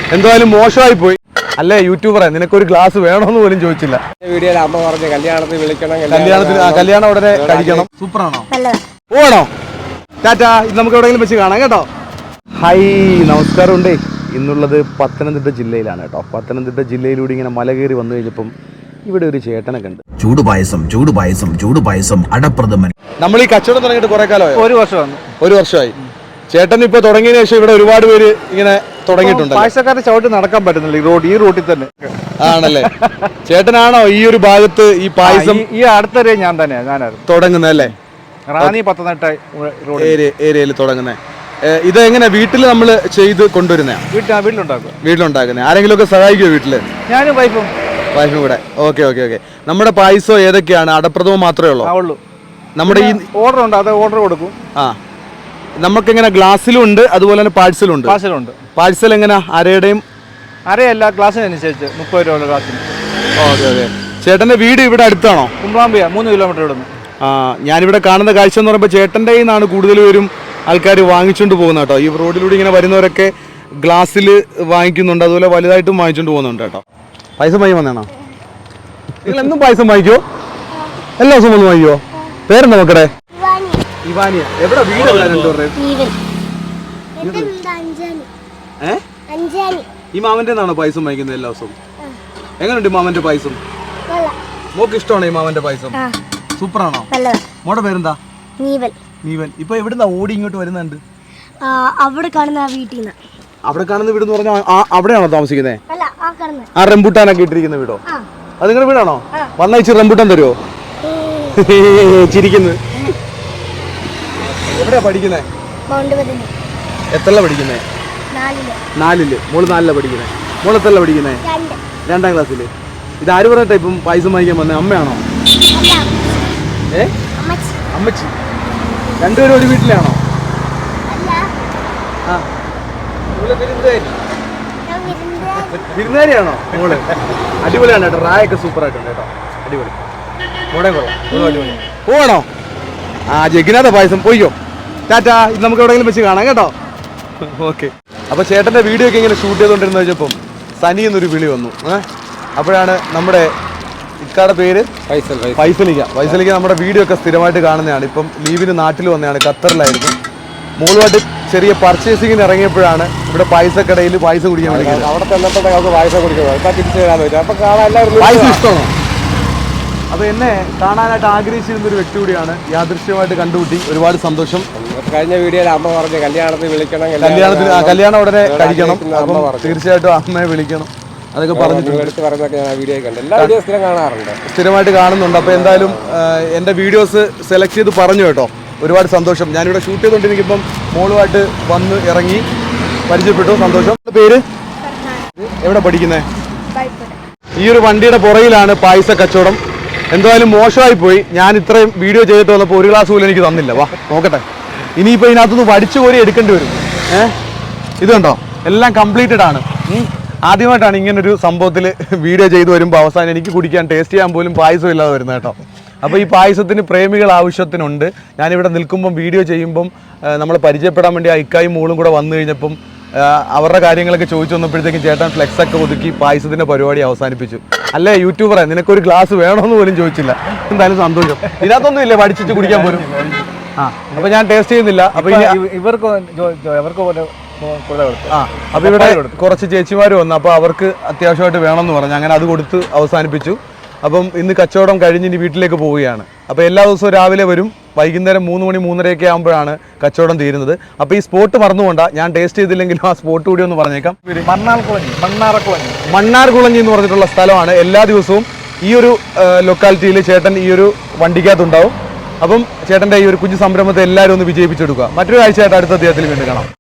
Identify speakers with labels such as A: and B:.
A: എന്തായാലും മോശമായി പോയി അല്ലേ യൂട്യൂബറെ, നിനക്കൊരു ഗ്ലാസ് വേണമെന്ന് പോലും ചോദിച്ചില്ല.
B: വീഡിയോയിൽ അമ്മ പറഞ്ഞു കല്യാണത്തിന് വിളിക്കണം,
A: കല്യാണം ഉടനെ കഴിക്കണം. സൂപ്പറാണോ? പോകണോ? ടാറ്റാ, ഇത് നമുക്ക് എവിടെയെങ്കിലും വെച്ച് കാണാം കേട്ടോ. ഹായ്, നമസ്കാരം ഉണ്ടേ. ഇന്നുള്ളത് പത്തനംതിട്ട ജില്ലയിലാണ് കേട്ടോ. പത്തനംതിട്ട ജില്ലയിലൂടെ ഇങ്ങനെ മല കയറി വന്നു കഴിഞ്ഞപ്പം ഇവിടെ ഒരു ചേട്ടനെ കണ്ട്.
C: ചൂടുപായസം അടപ്രഥമൻ.
A: നമ്മൾ ഈ കച്ചവടം തുടങ്ങിയിട്ട് കുറെ കാലമായി. ഒരു വർഷമായി. ചേട്ടൻ ഇപ്പൊ തുടങ്ങിയതിനു ശേഷം ഇവിടെ ഒരുപാട് പേര് ഇങ്ങനെ തുടങ്ങിയിട്ടുണ്ട്.
D: പായസക്കാരെ ചവിട്ടി നടക്കാൻ പറ്റുന്നില്ല ഈ റൂട്ടിൽ തന്നെ. ആണല്ലേ?
A: ചേട്ടനാണോ ഈ ഒരു ഭാഗത്ത് ഈ പായസം
D: ഈ അടുത്തൊരു ഞാനായിരുന്നു
A: തുടങ്ങുന്നല്ലേ?
D: റാന്നി പത്തനംതിട്ട
A: ഏരിയയിൽ തുടങ്ങുന്നത്. ഇത് എങ്ങനെ വീട്ടിൽ നമ്മൾ ചെയ്ത് കൊണ്ടുവരുന്ന? വീട്ടിലുണ്ടാക്കുന്നത്. ആരെങ്കിലും ഒക്കെ സഹായിക്കുമോ വീട്ടില്?
D: ഞാനും വൈഫും
A: കൂടെ. ഓക്കെ. നമ്മുടെ പായസം ഏതൊക്കെയാണ്? അടപ്രഥമം മാത്രമേ ഉള്ളൂ? നമ്മുടെ ഈ
D: ഓർഡർ ഉണ്ട്, അത് ഓർഡർ കൊടുക്കും.
A: നമുക്കിങ്ങനെ ഗ്ലാസ്സിലും ഉണ്ട്, അതുപോലെ തന്നെ പാഴ്സലും ഉണ്ട്. പാഴ്സൽ എങ്ങനെ?
D: അരയല്ല, ഗ്ലാസ്സിനനുസരിച്ച് 30 രൂപ ഗ്ലാസ്സിന്.
A: ഓക്കെ. ചേട്ടന്റെ വീട് ഇവിടെ അടുത്താണോ?
D: കുമ്പ്രാമ്പിയ 3 കിലോമീറ്റർ ഇവിടുന്ന്.
A: ഞാനിവിടെ കാണുന്ന കാഴ്ച എന്ന് പറയുമ്പോൾ ചേട്ടൻ്റെ നിന്നാണ് കൂടുതൽ പേരും ആൾക്കാർ വാങ്ങിച്ചുകൊണ്ട് പോകുന്നത് കേട്ടോ. ഈ റോഡിലൂടെ ഇങ്ങനെ വരുന്നവരൊക്കെ ഗ്ലാസ്സിൽ വാങ്ങിക്കുന്നുണ്ട്, അതുപോലെ വലുതായിട്ടും വാങ്ങിച്ചുകൊണ്ട് പോകുന്നുണ്ട് കേട്ടോ. പായസം വാങ്ങി വന്നേണോ? നിങ്ങൾ എന്നും പായസം വാങ്ങിക്കോ? എല്ലാ ദിവസവും വന്ന് വാങ്ങിക്കോ? പേരെന്താ മക്കളെ? ഇവാനിയ. എവിടെ വീട്? ഈ മാമന്റെ നാണോ പായസം വാങ്ങിക്കുന്നത് എല്ലാ ദിവസവും? എങ്ങനെയുണ്ട് മാമന്റെ പായസം? മോക്ക് ഇഷ്ടമാണോ ഈ മാമന്റെ പായസം? സൂപ്പറാണോ? മോടെ പേരെന്താ? നീവൻ. ഇപ്പൊ എവിടുന്നാ ഓടി ഇങ്ങോട്ട് വരുന്നുണ്ട്?
E: അവിടെ കാണുന്ന വീട്ടിൽ നിന്ന്.
A: അവിടെ കാണുന്ന വീട് എന്ന് പറഞ്ഞാൽ അവിടെയാണോ താമസിക്കുന്നത്? ആ റംബൂട്ടാനൊക്കെ ഇട്ടിരിക്കുന്ന വീടോ? അത് നിങ്ങളുടെ വീടാണോ? വന്നയച്ച് റംബൂട്ടാൻ തരുമോ? ചിരിക്കുന്നു. എവിടെയാ പഠിക്കുന്നേ? എത്രല്ല പഠിക്കുന്നേ? 4-ല്. മോള് 4-ലാ പഠിക്കുന്നേ. മോള് എത്രല്ല പഠിക്കുന്നേ? 2ാം ക്ലാസ്സില്. ഇത് ആര് പറഞ്ഞിട്ടാ ഇപ്പം പായസം വാങ്ങിക്കാൻ വന്നേ? അമ്മയാണോ? അമ്മച്ചി. രണ്ടുപേരും ഒരു വീട്ടിലാണോ? വിരുന്നുകാരിയാണോ മോള്? അടിപൊളിയാണ് കേട്ടോ. റായൊക്കെ സൂപ്പർ ആയിട്ടുണ്ട് കേട്ടോ. അടിപൊളി. മോളെ കൊള്ളാം. പോകണോ? ജഗ്നാഥ പായസം പോയിക്കോ. ടാറ്റാ, ഇത് നമുക്ക് എവിടെയെങ്കിലും വെച്ച് കാണാം കേട്ടോ. ഓക്കെ. അപ്പൊ ചേട്ടന്റെ വീഡിയോ ഒക്കെ ഇങ്ങനെ ഷൂട്ട് ചെയ്തോണ്ടിരുന്ന വെച്ചപ്പം സനി എന്നൊരു വിളി വന്നു. അപ്പോഴാണ് നമ്മുടെ ഇക്കാടെ പേര് ഫൈസലിക്ക നമ്മുടെ വീഡിയോ ഒക്കെ സ്ഥിരമായിട്ട് കാണുന്നതാണ്. ഇപ്പം ലീവിന് നാട്ടിൽ വന്നതാണ്, ഖത്തറിലായിരുന്നു. മോളുമായിട്ട് ചെറിയ പർച്ചേസിങ്ങിന് ഇറങ്ങിയപ്പോഴാണ് ഇവിടെ പായസക്കടയിൽ പായസം കുടിക്കാൻ വിളിക്കുന്നത്.
B: അവിടെ ചെന്നപ്പോഴൊക്കെ പായസം കുടിക്കുന്നത്
A: പായസം ഇഷ്ടമാണോ? അപ്പൊ എന്നെ കാണാനായിട്ട് ആഗ്രഹിച്ചിരുന്നൊരു വ്യക്തി കൂടിയാണ്. യാദൃശ്യമായിട്ട് കണ്ടുകൂട്ടി. ഒരുപാട് സന്തോഷം.
B: കഴിഞ്ഞ വീഡിയോയിൽ അമ്മ പറഞ്ഞു കല്യാണത്തിന് വിളിക്കണം,
A: കല്യാണം ഉടനെ കഴിക്കണം. അപ്പം തീർച്ചയായിട്ടും അമ്മയെ വിളിക്കണം. അതൊക്കെ പറഞ്ഞിട്ടുണ്ട്. സ്ഥിരമായിട്ട് കാണുന്നുണ്ട്. അപ്പോൾ എന്തായാലും എൻ്റെ വീഡിയോസ് സെലക്ട് ചെയ്ത് പറഞ്ഞു കേട്ടോ. ഒരുപാട് സന്തോഷം. ഞാനിവിടെ ഷൂട്ട് ചെയ്തുകൊണ്ടിരിക്കുമ്പം മോളുമായിട്ട് വന്ന് ഇറങ്ങി പരിചയപ്പെട്ടു. സന്തോഷം. പേര്? എവിടെ പഠിക്കുന്നേ? ഈ ഒരു വണ്ടിയുടെ പുറകിലാണ് പായസ കച്ചവടം. എന്തായാലും മോശമായി പോയി. ഞാൻ ഇത്രയും വീഡിയോ ചെയ്തിട്ട് വന്നപ്പോൾ ഒരു ഗ്ലാസ് പോലും എനിക്ക് തന്നില്ല. വാ നോക്കട്ടെ. ഇനിയിപ്പോൾ ഇതിനകത്തുനിന്ന് വടിച്ചു കോരി എടുക്കേണ്ടി വരും. ഇത് കണ്ടോ, എല്ലാം കംപ്ലീറ്റഡ് ആണ്. ആദ്യമായിട്ടാണ് ഇങ്ങനൊരു സംഭവത്തിൽ വീഡിയോ ചെയ്ത് വരുമ്പോൾ അവസാനം എനിക്ക് കുടിക്കാൻ ടേസ്റ്റ് ചെയ്യാൻ പോലും പായസം ഇല്ലാതെ വരുന്നത് കേട്ടോ. അപ്പോൾ ഈ പായസത്തിന് പ്രേമികൾ ആവശ്യത്തിനുണ്ട്. ഞാനിവിടെ നിൽക്കുമ്പം വീഡിയോ ചെയ്യുമ്പം നമ്മൾ പരിചയപ്പെടാൻ വേണ്ടി ഇക്കായും മോളും കൂടെ വന്നു കഴിഞ്ഞപ്പം അവരുടെ കാര്യങ്ങളൊക്കെ ചോദിച്ചു വന്നപ്പോഴത്തേക്കും ചേട്ടൻ ഫ്ലെക്സൊക്കെ ഒതുക്കി പായസത്തിൻ്റെ പരിപാടി അവസാനിപ്പിച്ചു. അല്ലേ യൂട്യൂബറെ, നിനക്കൊരു ഗ്ലാസ് വേണമെന്ന് പോലും ചോദിച്ചില്ല. എന്തായാലും സന്തോഷം. ഇതിനകത്തൊന്നും ഇല്ലേ വടിച്ചിട്ട് കുടിക്കാൻ പോലും? അപ്പോൾ ഞാൻ ടേസ്റ്റ് ചെയ്യുന്നില്ല. അപ്പോൾ
D: ഇവർക്ക്
A: അപ്പോൾ ഇവിടെ കുറച്ച് ചേച്ചിമാർ വന്നു. അപ്പോൾ അവർക്ക് അത്യാവശ്യമായിട്ട് വേണമെന്ന് പറഞ്ഞു. അങ്ങനെ അത് കൊടുത്ത് അവസാനിപ്പിച്ചു. അപ്പം ഇന്ന് കച്ചവടം കഴിഞ്ഞ് ഇനി വീട്ടിലേക്ക് പോവുകയാണ്. അപ്പോൾ എല്ലാ ദിവസവും രാവിലെ വരും, വൈകുന്നേരം 3 മണി 3:30 ആകുമ്പോഴാണ് കച്ചവടം തീരുന്നത്. അപ്പോൾ ഈ സ്പോട്ട് മറന്നുകൊണ്ടാ. ഞാൻ ടേസ്റ്റ് ചെയ്തില്ലെങ്കിലും ആ സ്പോട്ട് കൂടി ഒന്ന് പറഞ്ഞേക്കാം. മണ്ണാർകുളഞ്ഞി എന്ന് പറഞ്ഞിട്ടുള്ള സ്ഥലമാണ്. എല്ലാ ദിവസവും ഈ ഒരു ലൊക്കാലിറ്റിയിൽ ചേട്ടൻ ഈ ഒരു വണ്ടിക്കകത്തുണ്ടാവും. അപ്പം ചേട്ടൻ്റെ ഈ ഒരു കുഞ്ഞു സംരംഭത്തെ എല്ലാവരും ഒന്ന് വിജയിപ്പിച്ചെടുക്കുക. മറ്റൊരു കാഴ്ചയായിട്ട് അടുത്ത അദ്ദേഹത്തിൽ വീണ്ടും കാണാം.